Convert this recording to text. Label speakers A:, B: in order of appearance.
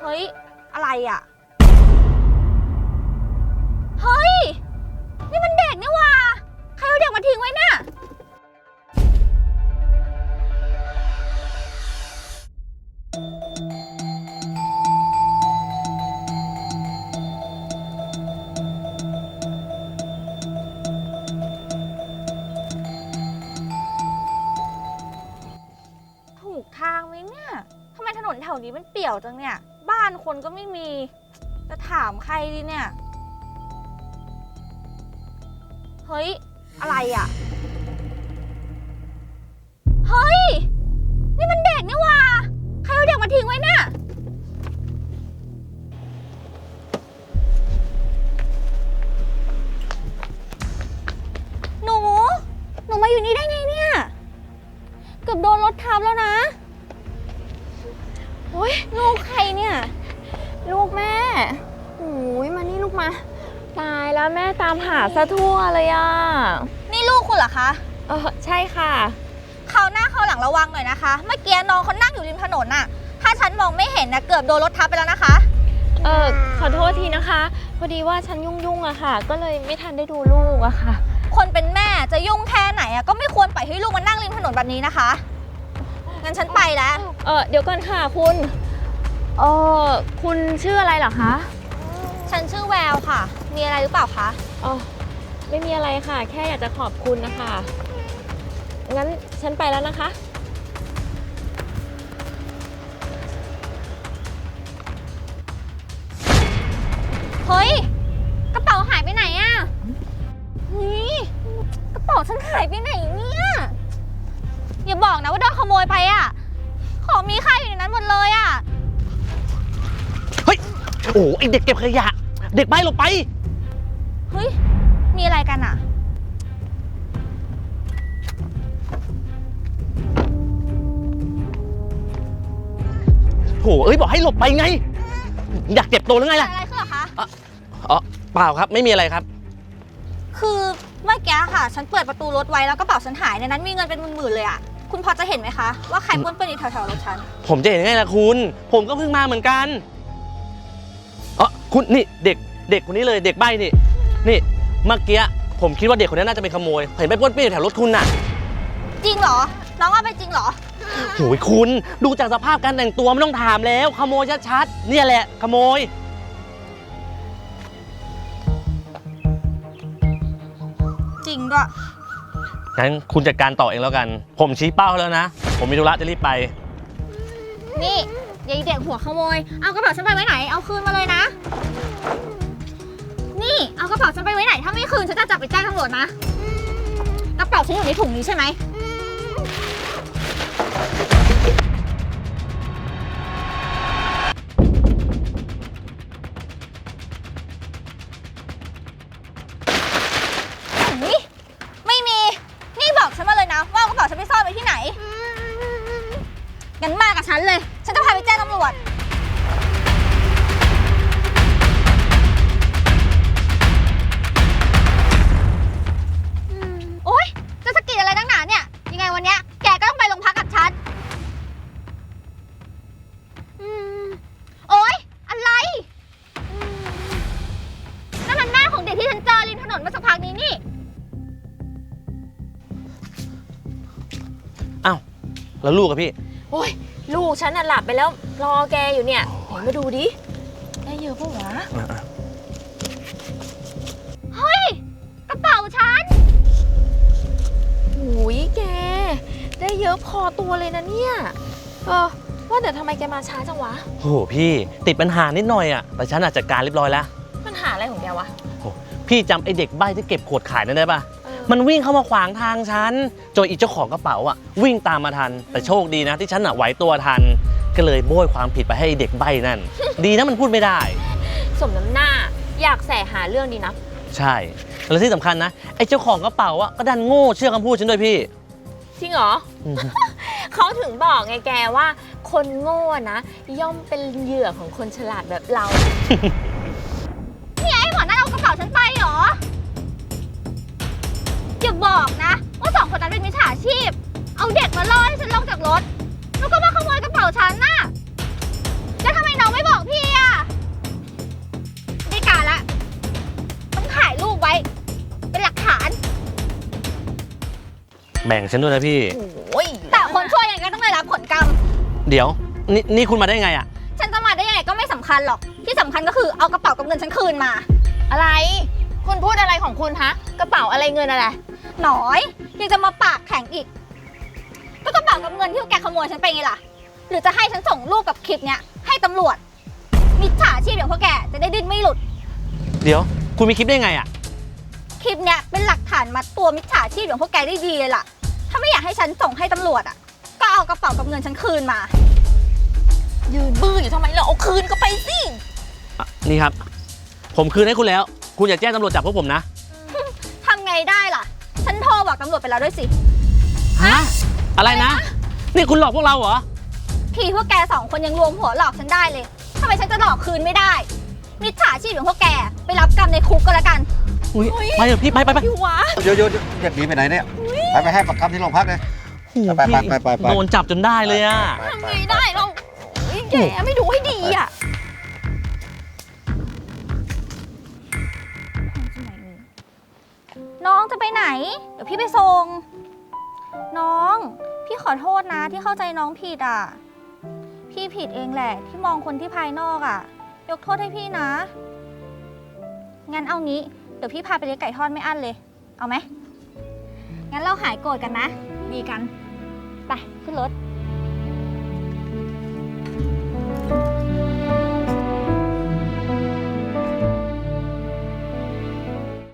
A: ฮ้ยอะไรอ่ะเฮ้ยนี่มันเด็กนี่หว่าใครเอาเด็กมาทิ้งไว้เนี่ยถูกทางไหมเนี่ยทำไมถนนแถวนี้มันเปี่ยวจังเนี่ยบ้านคนก็ไม่มีจะถามใครดีเนี่ยเฮ้ยอะไรอ่ะเฮ้ยนี่มันเด็กนี่หว่าใครเอาเด็กมาทิ้งไว้เนี่ยหนูมาอยู่นี่ได้ไงเนี่ยเกือบโดนรถทับแล้วนะโอ้ยลูกใครเนี่ย
B: ลูกแม่โอ้ยมานี่ลูกมาตายแล้วแม่ตามหาซะทั่วเลยอ่ะ
A: นี่ลูกคุณเหรอคะ
B: ใช่ค่ะ
A: คราวหน้าคราวหลังระวังหน่อยนะคะเมื่อกี้น้องเขานั่งอยู่ริมถนนน่ะถ้าฉันมองไม่เห็นนะเกือบโดนรถทับไปแล้วนะคะ
B: ขอโทษทีนะคะพอดีว่าฉันยุ่งอะค่ะก็เลยไม่ทันได้ดูลูกอะค่ะ
A: คนเป็นแม่จะยุ่งแค่ไหนอะก็ไม่ควรปล่อยให้ลูกมานั่งริมถนนแบบนี้นะคะงั้นฉันไปแล้ว
B: เดี๋ยวก่อนค่ะคุณคุณชื่ออะไรเหรอคะ
A: ฉันชื่อแววค่ะมีอะไรหรือเปล่าคะ
B: ไม่มีอะไรค่ะแค่อยากจะขอบคุณนะคะงั้นฉันไปแล้วนะคะ
A: เฮ้ยกระเป๋าหายไปไหนอะนี่กระเป๋าฉันหายไปไหนเนี่ยอย่าบอกนะว่าโดนขโมยไปอะของมีค่าอยู่ในนั้นหมดเลยอะ
C: เฮ้ยโอ้ไอเด็กเก็บขยะเด็กใบ้หลบไป
A: เฮ้ยมีอะไรกันอะ
C: โหบอกให้หลบไปไงอยากเจ็บตัวหรือไงล่ะ
A: อะไรขึ้นเหรอคะ
C: เปล่าครับไม่มีอะไรครับ
A: คือเมื่อกี้ค่ะฉันเปิดประตูรถไว้แล้วกระเป๋าฉันหายในนั้นมีเงินเป็นหมื่นๆเลยอะคุณพอจะเห็นไหมคะว่าใครป้วนเปี้ยนอยู่แถวๆรถฉัน
C: ผมจะเห็นไงล่ะคุณผมก็เพิ่งมาเหมือนกันคุณนี่เด็กคนนี้เลยเด็กใบ้นี่เมื่อกี้ผมคิดว่าเด็กคนนี้น่าจะเป็นขโมยเห็นไปป้วนเปี้ยนอยู่แถวรถคุณน่ะ
A: จริงเหรอน้องว่าเป็นจริงเหรอ
C: โหยคุณดูจากสภาพการแต่งตัวไม่ต้องถามแล้วขโมยชัดๆเนี่ยแหละขโมย
A: จริงด้วย
C: งั้นคุณจัดการต่อเองแล้วกันผมชี้เป้าแล้วนะผมมีธุระจะรีบไป
A: นี่ยายเด็กหัวขโมยเอากระเป๋าฉันไปไว้ไหนเอาคืนมาเลยนะนี่เอากระเป๋าฉันไปไว้ไหนถ้าไม่คืนฉันจะจับไปแจ้งตำรวจนะกระเป๋าฉันอยู่ในถุงนี้ใช่ไหมไม่มีนี่บอกฉันมาเลยนะว่ากระเป๋าฉันไปซ่อนไว้ที่ไหนงั้นมากับฉันเลยฉันจะพาไปแจ้งตำรวจโอ๊ยจะสะกิดอะไรตั้งหนาเนี่ยยังไงวันเนี้ยแกก็ต้องไปโรงพักกับฉันโอ๊ยอะไรนั่นมันแม่ของเด็กที่ฉันเจอริมถนนเมื่อสักพักนี้นี่
C: อ้าวแล้วลูกอะพี่
B: โอ้ยลูกฉันน่ะหลับไปแล้วรอแกอยู่เนี่ยเห็นมาดูดิได้เยอะปะวะ
A: เฮ้ยกระเป๋าฉัน
B: โอ้ยแกได้เยอะพอตัวเลยนะเนี่ยว่าแต่ทำไมแกมาช้าจังวะ
C: โหพี่ติดปัญหานิดหน่อยอะแต่ฉันจัดการเรียบร้อยแล้ว
B: ปัญหาอะไรของแกวะ
C: โหพี่จำไอเด็กใบ้ที่เก็บขวดขายนั่นได้ปะมันวิ่งเข้ามาขวางทางฉันจนอีเจ้าของกระเป๋าอ่ะวิ่งตามมาทันแต่โชคดีนะที่ฉันไหวตัวทันก็เลยโบยความผิดไปให้เด็กใบ้นั่น ดีนะมันพูดไม่ได้
B: สมน้ำหน้าอยากแสหาเรื่องดีนะ
C: ใช่แล้วที่สำคัญนะไอ้เจ้าของกระเป๋าอ่ะก็ดันโง่เชื่อคำพูดฉันด้วยพี่
B: จริงเหรอ เขาถึงบอกไงแกว่าคนโง่นะย่อมเป็นเหยื่อของคนฉลาดแบบเรา
A: นี่ไอ้หมอนั่นเอากระเป๋าฉันไปเหรออย่าบอกนะว่าสองคนนั้นเป็นมิจฉาชีพเอาเด็กมาล่อให้ฉันลงจากรถแล้วก็มาขโมยกระเป๋าฉันน่ะแล้วทำไมน้องไม่บอกพี่
C: แบ่งฉันด้วยนะพี่
B: โอ้ย
A: แต่คนชั่วยังไงก็ต้องได้รับผลกรรม
C: เดี๋ยวนี่คุณมาได้ไงอะ
A: ฉันจะมาได้ยังไงก็ไม่สำคัญหรอก ที่สำคัญก็คือเอากระเป๋ากับเงินฉันคืนมา
B: อะไร คุณพูดอะไรของคุณฮะ กระเป๋าอะไรเงินอะไร
A: หน่อยยังจะมาปากแข็งอีก ก็กระเป๋ากับเงินที่แกขโมยฉันไปไงล่ะ หรือจะให้ฉันส่งรูปกับคลิปเนี้ยให้ตำรวจ มิจฉาชีพอย่างพวกแกจะได้ดิ้นไม่หลุด
C: เดี๋ยวคุณมีคลิปได้ไงอะ
A: คลิปเนี้ยเป็นหลักฐานมัดตัวมิจฉาชีพอย่างพวกแกได้ดีเลยล่ะ ถ้าไม่อยากให้ฉันส่งให้ตำรวจอ่ะ ก็เอากระเป๋ากับเงินฉันคืนมา
B: ยืนบื้ออยู่ทำไมเราเอาคืนก็ไปสิ
C: อ่ะนี่ครับ ผมคืนให้คุณแล้ว คุณอย่าแจ้งตำรวจจับพวกผมนะ
A: ทำไงได้ล่ะ ฉันโทรบอกตำรวจไปแล้วด้วยสิ
C: ฮะ อะไรนะ นี่คุณหลอกพวกเราเหรอ
A: ทีพวกแกสองคนยังรวมหัวหลอกฉันได้เลยทำไมฉันจะหลอกคืนไม่ได้ มิจฉาชีพอย่างพวกแกไปรับกรรมในคุกก็แล้วกัน
C: อุ๊ยไปเถอะพี่ไป
B: พี่วะ
D: เดี๋ยวอยากหนีไปไหนเนี่ย ไปให้ปากคำที่โรงพักเลย
C: โอ้โห
D: ไป
C: พี่
D: ไป
C: โดนจับจนได้เลยอะ
B: ทำไงได้เราเฮ้ยแกไม่ดูให้ดีอ่ะ
A: น้องจะไปไหน เดี๋ยวพี่ไปส่ง น้อง พี่ขอโทษนะที่เข้าใจน้องผิดอ่ะ พี่ผิดเองแหละที่มองคนที่ภายนอกอ่ะ ยกโทษให้พี่นะ งั้นเอางี้ เดี๋ยวพี่พาไปเลี้ยงไก่ทอดไม่อั้นเลย เอาไหม งั้นเราหายโกรธกันนะ ดีกัน ไปขึ้นรถ